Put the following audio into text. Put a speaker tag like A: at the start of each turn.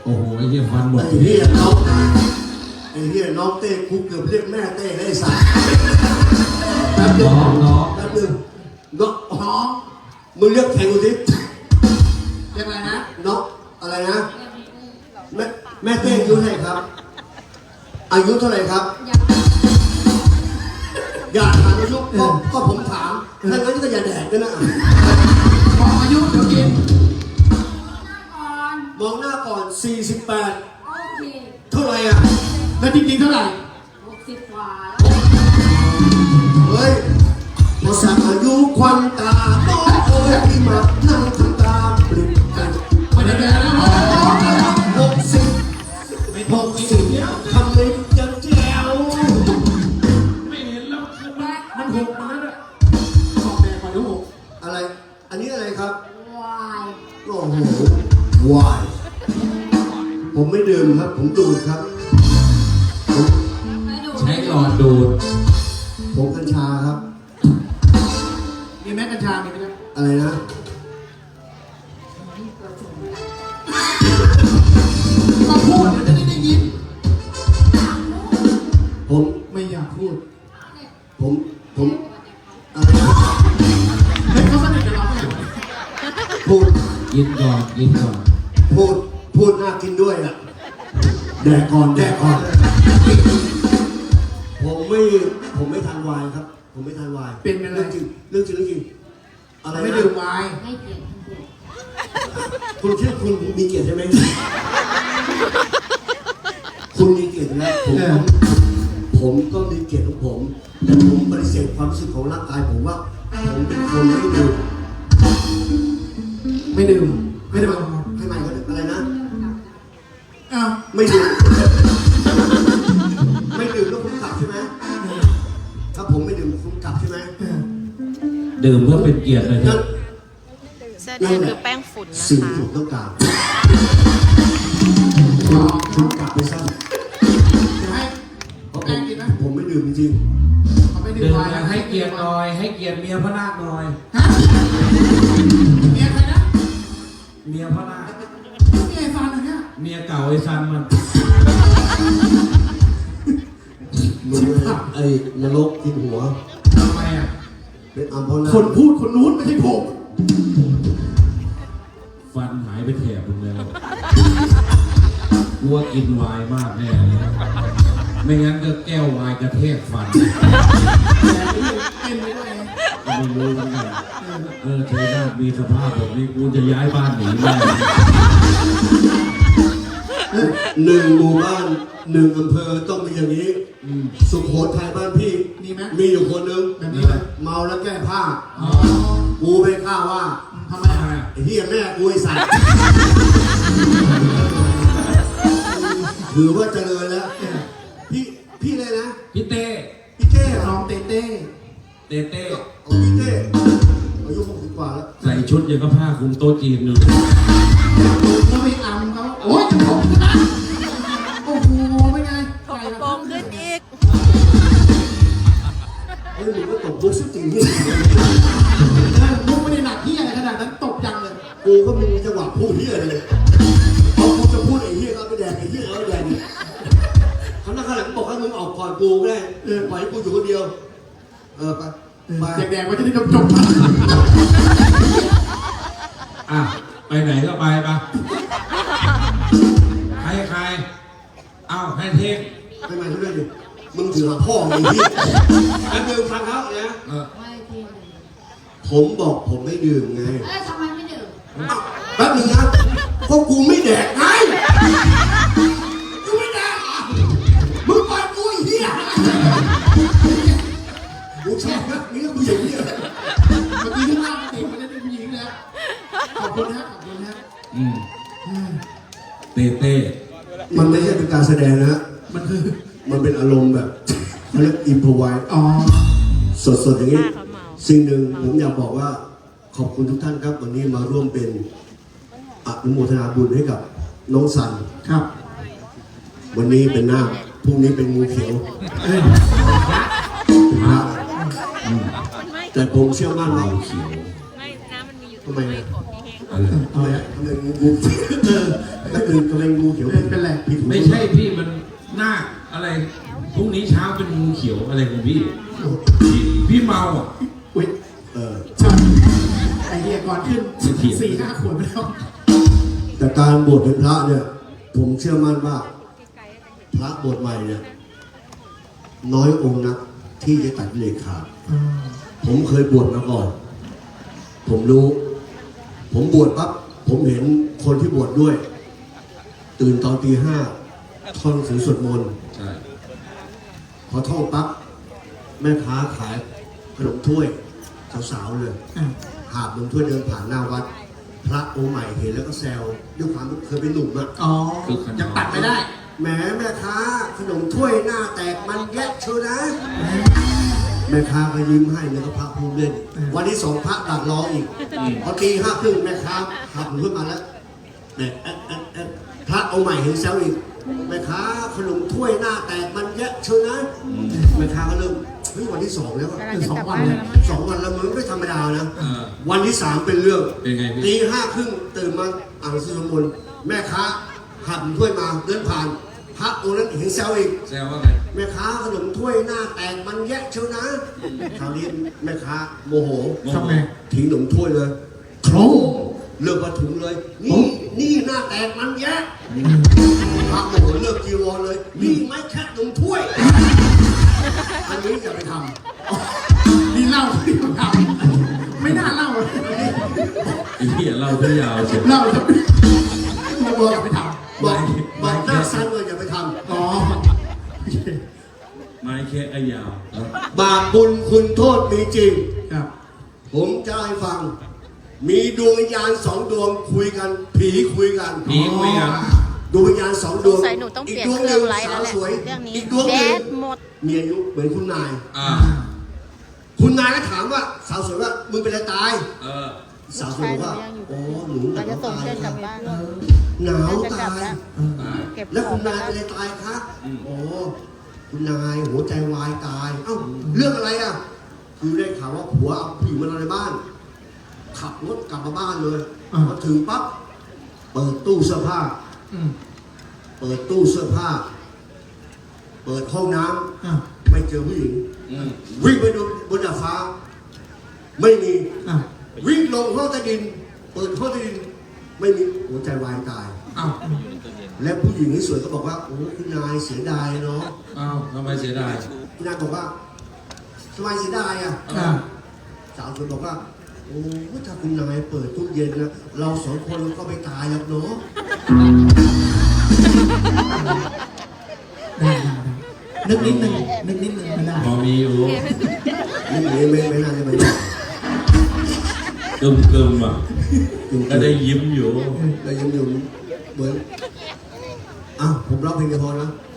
A: โอ้โหไอ้เหี้ยฟันหมด
B: ไอ้เหี้ยน้องเต้กูเกือบเรียกแม่เต้ได้สัตว์แป๊บนึงน้องมึงเรียกแข่งกูสิเรียกอะไรนะน้องอะไรนะแม่เต้อายุเท่าไหร่ครับอายุเท่าไหร่ครับอย่าถามอายุก็ผมถามถ้างั้นก็อย่าแดกกันนะบอกอายุเดี๋ยวกินมองหน้าก่อน48เท่าไหร่อ่ะแล้วจริงๆเท่าไหร่60 กว่าเฮ้ยพอสั่งอายุควันตาโต้โอ้ยที่มานั่งทำตาปริบกันไม่ได้แล้ว60ทำไมจะแจ๋วไม่เห็นแล้วมันหกมาแล้วขอบแดงกว่านี้6อะไรอันนี้อะไรครับวายโอ้โหวายผมไม่ดื่มครับผมดูดครับ
A: ใช้หลอดดูด
B: ผมกัญชาครับ
C: มีแม่กัญชามีไหมครับ
B: อะไรนะ
C: มาพูดเดี๋ยวจะได้ยิน
B: ผม
C: ไม่อยากพูด
B: ผมอะไรนะ
C: เฮ้ยเขาสนิทกับเราไหม
B: พูด
A: กินก่อน
B: พูดน่ากินด้วยอ่ะแดกก่อนผมไม่ทานไวน์ครับผมไม่ทานไวน์
C: เป็นอะไร
B: เรื่องจริง
C: อะไรไม่ดื่มไวน์
D: ให้เกียรติ
B: คุณคิดคุณมีเกียรติใช่ไหมคุณมีเกียรติแล้วผมก็มีเกียรติของผมแต่ผมปฏิเสธความรู้สึกของร่างกายผมว่าผมเป็นคนไม่ดื่ม
C: ให้ใหม่
B: ก็อะไรนะ
C: อ้าว
B: ไม่ดื่มแล้วคุณกลับใช่ไหมถ้าผมไม่ดื่มคุณกลับใช่ไหม
A: ดื่มเพื่อเป็นเกียรติเลยครับ
D: เสื้อแดงคือแป้งฝุ่นนะคะ
B: สิ่งที่ผมต้องการคุณกลับไปซะผมไม่ดื่มจริง
A: ดื่มอยากให้เกียรติหน่อยให้เกียรติเมียพระนาคหน่อย
C: เมียใครนะ
A: เมียพระนาค
C: เมียฟันนะเนี่ย
A: เมียเก่าไอ้ซันมัน
B: มึงไอ้นรกกินหัว
A: ทำไมอ่ะ
B: เป็นอัมพนา
C: คนพูดคนนู้นไม่ใช่ผม
A: ฟันหายไปแถบนึงแล้วกลัวกินไวน์มากแน่เลยไม่งั้นก็แก้วไวน์กระแทกฟันก็ไม่รู้เหมือนกันเธอน่ามีสภาพแบบนี้กูจะย้ายบ้านหนีแน่
B: 1 หมู่บ้าน 1 อำเภอต้องมีอย่างนี้สุโขทัยบ้านพี่มีอยู่คนนึงเมาแล้วแก้ผ้ากูไม่กล้าว่า
C: ทำไม
B: ไอ้เหี้ยแม่กูไอ้สัตว์ถือว่าเจริญแล้วพี่เลยนะ
A: พี่เต้
C: น้องเต้
B: พี่เต้อายุ60 กว่าแล้ว
A: ใส่ชุดยังก็ผ้าคลุมโต๊ะจีนอยู่
C: แล้วไปอัมเขาโอ้ยจะผมนะโอ้โหไม่ไง
D: ถกกระโปรงขึ้นอีก
B: เฮ้ยมึงก็ตบมุกจริงที่
C: มุกไม่ได้หนักที่อะไรขนาดนั้นตบจังเลย
B: กูก็มีจังหวะพูดเหี้ยเลยพอกูจะพูดไอ้เหี้ยก็ไปแดกไอ้เหี้ยแล้วแดกเขาหน้าข้างหลังบอกให้มึงออกก่อนกูก็ได้ปล่อยกูอยู่คนเดียวไป
C: แดกๆไว้จะได้จบ
A: อ่ะไปไหนก็ไปปะใครเอ้าให้เทค
B: ให้มาทุกเรื่องดิมึงถือหาพ่อไอ้ที่อันเดิมฟังเขาเนี่ยผมบอกผมไม่ดื่มไง
D: ทำไมไม่ดื่ม
B: แป๊บนึงนะเพราะกูไม่แดกไงกูไม่แดกมึงปล่อยกูไอ้เหี้ยกูชอบนะนี่ก็กูอย่างนี้เลย
C: เมื่อกี้ที่ว่าติดมันจะเป็นผู้หญิงนะขอบคุณฮะ
A: เต้
B: มันไม่ใช่เป็นการแสดงนะมันเป็นอารมณ์แบบเขาเรียกอิมพอไวสดอย่างนี้สิ่งหนึ่งผมอยากบอกว่าขอบคุณทุกท่านครับวันนี้มาร่วมเป็นอนุโมทนาบุญให้กับน้องสัน
C: ครับ
B: วันนี้เป็นนาคพรุ่งนี้เป็นงูเขียวแต่ผมเชื่อมั่นว่า
A: เขียว
D: ไม่น้ำมันมีอยู่
B: ทำไม
A: อะไร
B: ทำไมทำไมงูแล้วคือทำไมงูเขียว
C: เป็นไร
B: ผิดหู
A: ไม่ใช่พี่มันหน้าอะไรพรุ่งนี้เช้าเป็นงูเขียวอะไรของพี่พี่เมาอ่ะ
C: อุ้ย
B: เออ
C: ใช่ไอเดียก่อนขึ้น 4-5 ขวดไปแล้ว
B: แต่การบวชเป็นพระเนี่ย ผมเชื่อมั่นว่าพระบวชใหม่เนี่ยน้อยองค์นักที่จะตัดกิเลสขาดผมเคยบวชมาก่อน ผมรู้ ผมบวชปั๊บผมเห็นคนที่บวชด้วย ตื่นตอนตี 5ท่องหนังสือสวดมนต์
A: ใช่
B: พอท่องปั๊บแม่ค้าขายขนมถ้วยสาวๆเลย หาบขนมถ้วยเดินผ่านหน้าวัด พระองค์ใหม่เห็นแล้วก็แซวด้วยความเคยเป็นหนุ่มอะ
C: อ๋อยังตัดไม่ได้
B: แหมแม่ค้าขนมถ้วยหน้าแตกมันแยะเชียวนะ แม่ค้าก็ยิ้มให้แล้วก็พระพูดเล่น วันที่2พระดักรออีกพอตี 5:30แม่ค้าขับขึ้นมาแล้วเนี่ยพระองค์ใหม่เห็นแซวอีกแม่ค้าขนมถ้วยหน้าแตกมันแยะเชียวนะแม่ค้าก็เริ่มเฮ้ยวันที่2แล้วอะ
C: คือ2 วันเลย
B: 2 วันแล้วมันไม่ธรรมดานะ
A: เออ
B: วันที่ 3เป็นเรื่อง
A: เป็นไงพี่
B: ตี 5:30ตื่นมาอ่านหนังสือสวดมนต์แม่ค้าหันถ้วยมาเดินผ่านพระองค์นั้นเห็นแซวอีก
A: แซวว่าไง
B: แม่ค้าขนมถ้วยหน้าแตกมันแยะเชียวนะคราวนี้แม่ค้าโมโห
C: ทำไง
B: ทิ้งขนมถ้วยเลยโครมเลิกมาถุงเลย นี่หน้าแตกมันแยะพระโมโหเลิกจีวรเลย นี่ไม่แค่ขนมถ้วย อันนี้อย่าไปท
C: นี่เล่าที่เราทำไม่น่าเล่าเลย
A: ไอ้เหี้ยเราก็ยาวเชียว
C: เล่าจะไม่บอกอย่าไปท
B: ำบอกหน้าสั้นเลยอย่าไปท
C: ำอ๋อ
A: ไม้แค่ไอ้ยาว
B: ำบาปบุญคุณโทษมีจริง
C: ครับ
B: ผมจะให้ฟัง มีดวงวิญญาณ2 ดวงคุยกัน ผีคุยกัน
A: ผีคุยกัน
B: ดวงวิญญาณ2 ดวง
D: สงสัยหนูต้องเปลี่ยนเครื่องไลฟ์แล้วแหละ
B: สาวสวย
D: เรื่องนี้
B: อีกดวงห
D: แบ
B: นึ่ง
D: ดหมด
B: มีอายุเหมือนคุณนาย
A: อ่า
B: คุณนายก็ถามว่าสาวสวยว่ามึงเป็นอะไรตาย
A: เออ
B: สาวสวยบอกว่าโอ้หนูห
D: เรา
B: นาว
D: จะส่ง
B: ตาย
D: เพื่อนกลับบ้าน
B: หนาว
D: จะก
B: ตา
D: ลับ
B: ย
D: แล้ว
A: ตาย
D: เก็บ
B: แล้ว
D: ขอ
B: คุ
D: ง
B: ณ
D: ไป
B: นาย
D: แล้
B: เป็น
D: ว
B: อะไรตายคะ
A: อืม
B: โอ้คุณนายหัวใจวายตาย เอ้าเรื่องอะไรอ่ะ คือได้ข่าวว่าผัวเอาผู้หญิงมาในบ้าน ขับรถกลับมาบ้านเลยมาถึงปั๊บเปิดตู้เสื้อผ้า เปิดตู้เสื้อผ้า เปิดห้องน้ำไม่เจอผู้หญิง
A: อืม
B: วิ่งไปดูบนดาดฟ้า ไม่มี
C: อ่ะ
B: วิ่งลงห้องใต้ดิน เปิดห้องใต้ดิน ไม่มีหัวใจวายตาย
C: อ้าว
B: และผู้หญิงที่สวยก็บอกว่า โอ้คุณนายเสียดายเนาะ
A: อ้าวทำไมเสียดาย
B: คุณนายบอกว่าทำไมเสียดายอ่ะ
C: อ่ะ
B: สาวสวยบอกว่า โอ้ถ้าคุณนายเปิดตู้เย็นนะเรา2 คนก็ไปตายแล้วเนาะ
C: ได้นึกนิดนึงไม่ได้
A: พอมีอยู่
B: นี่ไม่น่าจะเป็น
A: กึมอ่ะก็ได้ยิ้มอยู่
B: เรายังอยู่เหมือนอ้าวผมร้องเพลงเดียวพอนะ